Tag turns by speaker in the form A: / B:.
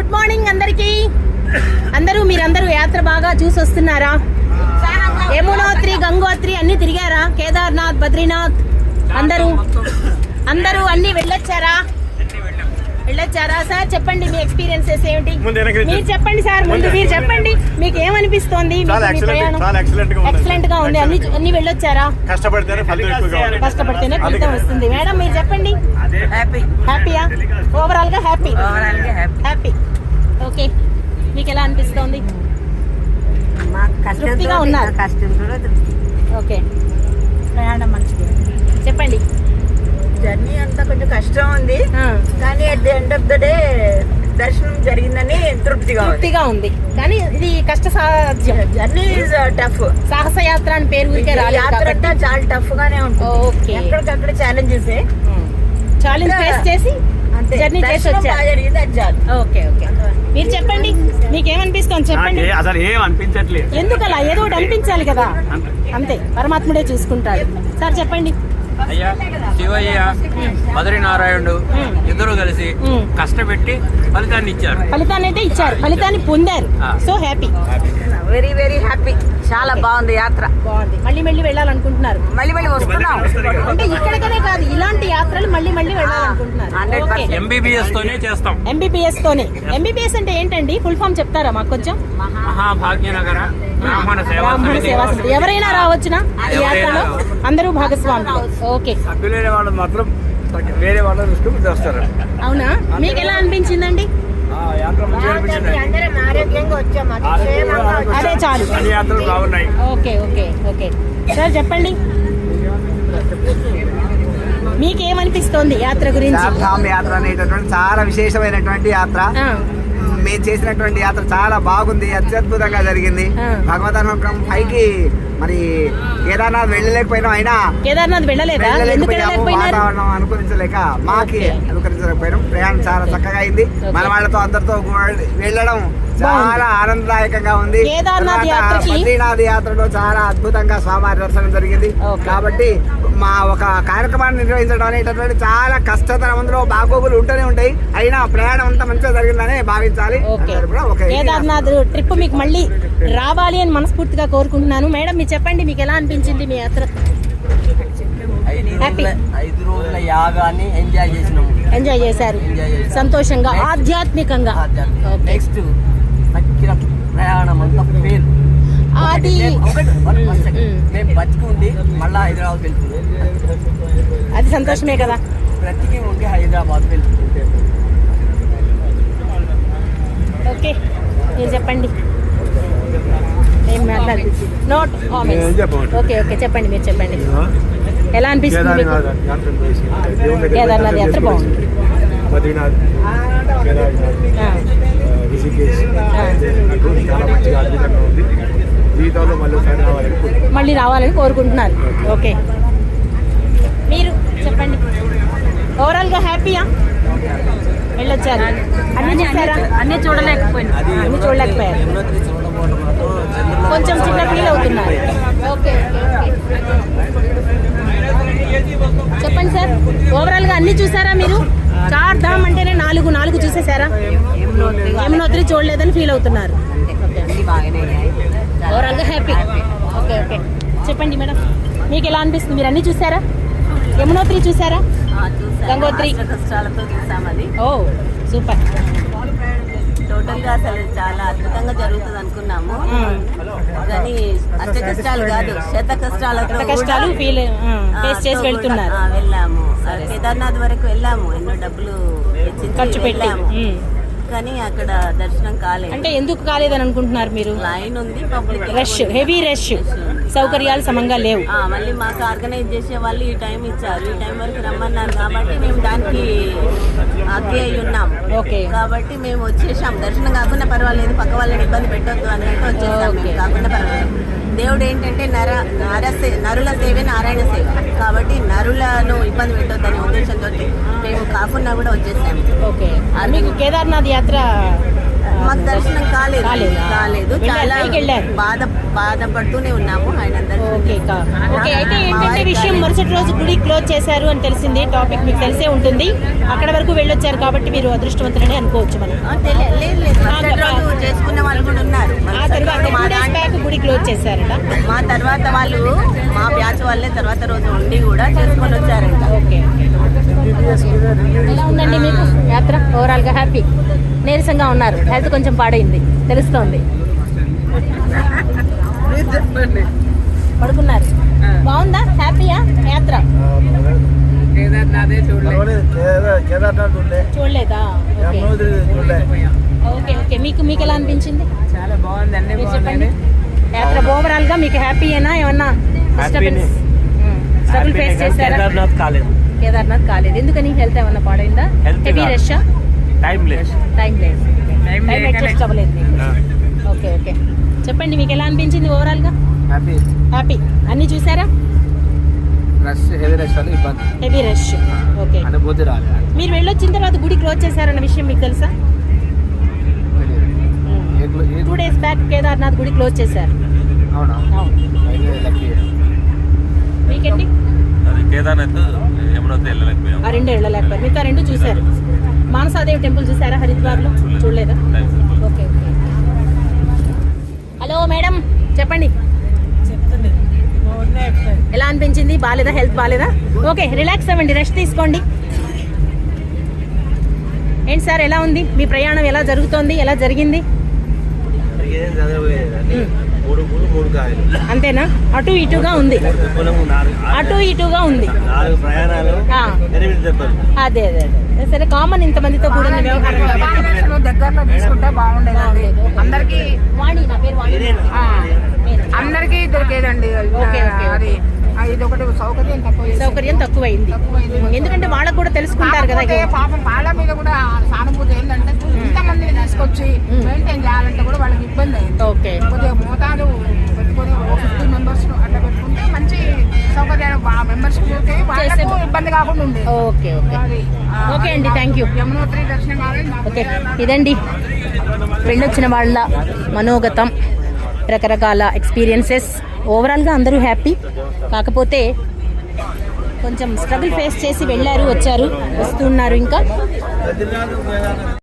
A: Good morning అందరికి. మీరందరూ యాత్ర బాగా చూసి వస్తున్నారా? యమునోత్రి, గంగోత్రి అన్ని తిరిగారా? కేదార్నాథ్, బద్రీనాథ్ అందరూ అన్ని వెళ్ళొచ్చారా? సార్ చెప్పండి మీ ఎక్స్పీరియన్సెస్ ఏమిటి? మీరు చెప్పండి సార్, ముందు మీరు చెప్పండి, మీకు ఏమనిపిస్తోంది? ఎక్సలెంట్ గా ఉంది. అన్ని వెళ్ళొచ్చారా? కష్టపడితేనే ఫలితం వస్తుంది. మేడం మీరు చెప్పండి. హ్యాపీయా? ఓవరాల్ గా హ్యాపీ. ఓకే, మీకు ఎలా అనిపిస్తోంది? తృప్తిగా ఉన్నారు? ఓకే, ప్రయాణం మంచిది. చెప్పండి.
B: జర్నీ అంతా కొంచెం కష్టం ఉంది, కానీ at the end of the day దర్శనం జరిగిందని తృప్తిగా ఉంది.
A: కానీ ఇది కష్ట సాధ్యం.
B: Journey is tough.
A: సాహస యాత్ర అని పేరు ఊరికే రాలేదు.
B: యాత్ర అంతా చాలా టఫ్ గానే ఉంటుంది.
A: ఓకే,
B: ఎక్కడికక్కడ ఛాలెంజెస్
A: ఫేస్ చేసి జర్నీ చేసి వచ్చారు. ఓకే, మీరు చెప్పండి, మీకేమనిపిస్తుంది? చెప్పండి.
C: అసలు ఏం అనిపించట్లేదు.
A: ఎందుకలా? ఏదో ఒకటి అనిపించాలి కదా, అంతే, పరమాత్ముడే చూసుకుంటాడు. సార్ చెప్పండి.
C: అయ్యా, శివయ్య, బద్రీనారాయణుడు ఇద్దరు కలిసి కష్టపెట్టి ఫలితాన్ని అయితే ఇచ్చారు. ఫలితాన్ని పొందారు. So happy,
B: very very happy. చాలా బాగుంది యాత్ర.
A: బాగుంది. మళ్ళీ వెళ్ళాలనుకుంటున్నారు?
B: మళ్ళీ వస్తున్నాం.
A: అంటే ఇక్కడికనే కాదు, ఇలాంటి యాత్రలు మళ్ళీ వెళ్ళాలనుకుంటున్నారు.
C: ఎంబీబీఎస్ తోనే చేస్తాం.
A: ఎంబీబీఎస్ అంటే ఏంటండి? ఫుల్ ఫామ్ చెప్తారా మాకు కొంచెం?
C: మహాభాగ్యనగర బ్రాహ్మణ సేవా సమితి.
A: ఎవరైనా రావచ్చునా ఈ యాత్రలో? అందరూ భాగస్వాములు. ఓకే,
C: సభ్యులైన వాళ్ళు మాత్రం వేరే వాళ్ళ దృష్టికి వస్తారు.
A: అవునా? మీకు ఎలా అనిపించిందండి? అదే చాలు. ఓకే. సార్ చెప్పండి, మీకేమనిపిస్తోంది యాత్ర గురించి?
D: యాత్ర అనేటటువంటి చాలా విశేషమైనటువంటి యాత్ర. మేము చేసినటువంటి యాత్ర చాలా బాగుంది, అత్యద్భుతంగా జరిగింది. భగవద్ అనుగ్రహం పైకి మరి కేదార్నాథ్ వెళ్ళలేకపోయినాం, అయినా వాతావరణం అనుకరించలేక అనుకరించలేకపోయినాం. ప్రయాణం చాలా చక్కగా అయింది. మన వాళ్ళతో అందరితో వెళ్ళడం చాలా ఆనందదాయకంగా ఉంది. బద్రీనాథ్ యాత్రలో చాలా అద్భుతంగా స్వామివారి దర్శనం జరిగింది. కాబట్టి మా ఒక కార్యక్రమాన్ని నిర్వహించడం అనేటటువంటి చాలా కష్టతరం. అందులో బాగోగులు ఉంటూనే ఉంటాయి, అయినా ప్రయాణం అంతా మంచిగా జరిగిందని భావించాలి.
A: కేదార్నాథ్ ట్రిప్ మీకు మళ్ళీ రావాలి అని మనస్ఫూర్తిగా కోరుకుంటున్నాను. మేడం మీరు చెప్పండి, మీకు ఎలా అనిపించింది మీ యాత్ర?
E: 5 రోజుల యాగాన్ని ఎంజాయ్ చేశారు.
A: సంతోషంగా, ఆధ్యాత్మికంగా.
E: నెక్స్ట్ ప్రయాణం అంతా ఫెయిల్.
A: అది
E: మేము బతికి ఉండి మళ్ళా హైదరాబాద్ వెళ్తున్నాం.
A: అది సంతోషమే కదా.
E: బ్రతికి ఉండి హైదరాబాద్ వెళ్తుంటే.
A: ఓకే, మీరు చెప్పండి. నోట్ ఓకే, చెప్పండి, మీరు చెప్పండి. ఎలా అనిపిస్తుంది? కేదార్నాథ్ యాత్ర బాగుంది. మళ్ళీ రావాలని కోరుకుంటున్నారు. ఓకే, మీరు చెప్పండి. ఓవరాల్ గా హ్యాపీయా? వెళ్ళొచ్చారు? అన్ని చూడలేకపోయారు. కొంచెం చిన్న ఫీల్ అవుతున్నారు. ఓకే, చెప్పండి సార్. ఓవరాల్ గా అన్ని చూసారా మీరు? 4 ధామ్ అంటేనే 4 చూసేసారా? యమునోత్రి చూడలేదని ఫీల్ అవుతున్నారు. ఓవరాల్ గా హ్యాపీ. ఓకే, చెప్పండి మేడం, మీకు ఎలా అనిపిస్తుంది? మీరు అన్ని చూసారా? యమునోత్రి చూసారా? గంగోత్రి
B: కష్టాలతో చూసామది.
A: ఓ సూపర్.
B: టోటల్ గా అసలు చాలా అద్భుతంగా జరుగుతుంది అనుకున్నాము, కానీ అష్ట కష్టాలు కాదు, శత కష్టాలు
A: ఫేస్ చేసి వెళ్తున్నారు.
B: వెళ్ళాము. కేదార్నాథ్ వరకు వెళ్ళాము, ఎన్నో డబ్బులు
A: ఖర్చు పెట్టాము,
B: కానీ అక్కడ దర్శనం కాలేదు.
A: అంటే ఎందుకు కాలేదని అనుకుంటున్నారు మీరు?
B: లైన్ ఉంది, పబ్లిక్
A: హెవీ రష్, సౌకర్యాలు సమంగా లేవు.
B: మళ్ళీ మాకు ఆర్గనైజ్ చేసే వాళ్ళు ఈ టైం ఇచ్చారు, ఈ టైం వరకు రమ్మన్నారు, కాబట్టి మేము దానికి అగ్గి అయి ఉన్నాం.
A: ఓకే,
B: కాబట్టి మేము వచ్చేసాం. దర్శనం కాకుండా పర్వాలేదు, పక్క వాళ్ళని ఇబ్బంది పెట్టొద్దు అన్నట్టు వచ్చేసాం. కాకుండా పర్వాలేదు. దేవుడు ఏంటంటే నరుల సేవే నారాయణ సేవ, కాబట్టి నరులను ఇబ్బంది పెట్టొద్దనే ఉద్దేశంతో మేము కాకుండా కూడా వచ్చేసాము.
A: ఓకే, మీకు కేదార్నాథ్ యాత్ర
B: మాకు దర్శనం కాలేదు
A: కాలేదా?
B: కాలేదు
A: వెళ్ళారు,
B: చాలా
A: పైకి వెళ్ళారు.
B: బాధపడుతూనే ఉన్నాము ఆయన
A: ఓకే ఓకే. అయితే ఏంటంటే విషయం మరుసటి రోజు గుడి క్లోజ్ చేశారు అని తెలిసింది. టాపిక్ మీకు తెలిసే ఉంటుంది. అక్కడ వరకు వెళ్ళొచ్చారు కాబట్టి మీరు అదృష్టవంతులని అనుకోవచ్చు మనం.
B: లేదు మరుసటి రోజు చేసుకున్న వాళ్ళు కూడా ఉన్నారు.
A: ఆ తర్వాత 2 days back గుడి క్లోజ్ చేశారట.
B: మా తర్వాత వాళ్ళు మా బ్యాచ్ వాళ్ళే తర్వాత రోజు ఉండి కూడా చేసుకొని వచ్చారంట.
A: ఓకే. ఎలా ఉందండి మీకు యాత్ర? ఓవరాల్ గా హ్యాపీ? నీరసంగా ఉన్నారు, హెల్త్ కొంచెం పాడైంది తెలుస్తోంది. పడుకున్నారు. బాగుందా? హ్యాపీయా యాత్ర? చూడలేదా? Okay okay. మీకు ఎలా అనిపించింది?
E: చాలా బాగుంది, అన్ని
A: మీరు చెప్పండి. యాత్ర ఓవరాల్ గా మీకు హ్యాపీయేనా? ఏమన్నా స్ట్రగుల్ ఫేస్ చేశారా?
C: కేదార్నాథ్ కాలేదు.
A: కేదార్నాథ్ కాలేదు. ఎందుకని? హెల్త్ ఏమన్నా పాడైందా?
C: Health
A: హెవీ
C: కాదు.
A: రష్?
C: టైం లేదు.
A: టైం లేదు. టైం అడ్జస్ట్ అవ్వలేదు మీకు. Okay okay. చెప్పండి మీకు ఎలా అనిపించింది ఓవరాల్ గా?
D: హ్యాపీ.
A: హ్యాపీ. అన్ని చూసారా?
D: రష్ హెవీ రష్ వల్ల ఇబ్బంది,
A: హెవీ రష్. ఓకే.
D: అనుభూతి రాలేదు.
A: మీరు వెళ్ళొచ్చిన తర్వాత గుడి క్లోజ్ చేశారన్న విషయం మీకు తెలుసా? 2 days బ్యాక్ కేదార్నాథ్ గుడి క్లోజ్ చేశారు.
D: అవునా?
A: అవును. మీకండి?
F: అది కేదార్నాథ్ యమునోత్రి వెళ్ళలేకపోయాం.
A: ఆ 2 వెళ్ళలేకపోయారు. మీకు ఆ 2 చూశారు. మానసాదేవి టెంపుల్ చూసారా హరిద్వార్లో? చూడలేదా? Okay okay. హలో మేడం చెప్పండి. ఎలా అనిపించింది? బాగాలేదా? హెల్త్ బాగాలేదా? ఓకే రిలాక్స్ అవ్వండి, రెస్ట్ తీసుకోండి. ఏంటి సార్ ఎలా ఉంది మీ ప్రయాణం? ఎలా జరుగుతోంది? ఎలా జరిగింది? అంతేనా? అటు ఇటుగా ఉంది, అటు ఇటుగా ఉంది. ఆ. అదే అదే అదే సరే. కామన్ ఇంతమందితో కూడిన వ్యవహారం కాబట్టి
G: దగ్గరలో తీసుకుంటే బాగుండేదండి. అందరికి
A: వాణి, నా పేరు వాణి.
G: అందరికి దొరికేదండి.
A: Okay, okay.
G: అది ఇది ఒకటి సౌకర్యం తక్కువ
A: సౌకర్యం తక్కువైంది. ఎందుకంటే వాళ్ళకు కూడా తెలుసుకుంటారు కదా.
G: కాకపోతే పాపం వాళ్ళ మీద కూడా సానుభూతి ఏంటంటే ఇంతమందిని తీసుకొచ్చి మెయింటైన్ చేయాలంటే కూడా వాళ్ళకి ఇబ్బంది అయింది.
A: ఓకే.
G: కొద్దిగా మోతాదు పెట్టుకొని 50 members అట్లా పెట్టుకుంటే మంచి సౌకర్యాలు మెంబర్స్ వాళ్ళకు ఇబ్బంది కాకుండా ఉండేది.
A: ఓకే ఓకే ఓకే అండి, థ్యాంక్ యూ.
G: యమునోత్రి దర్శనం కావాలి.
A: ఓకే ఇదండి వెళ్ళొచ్చిన వాళ్ళ మనోగతం, రకరకాల ఎక్స్పీరియన్సెస్. ఓవరాల్గా అందరూ హ్యాపీ. కాకపోతే కొంచెం స్ట్రగుల్ ఫేస్ చేసి వెళ్ళారు, వచ్చారు, వస్తున్నారు ఇంకా.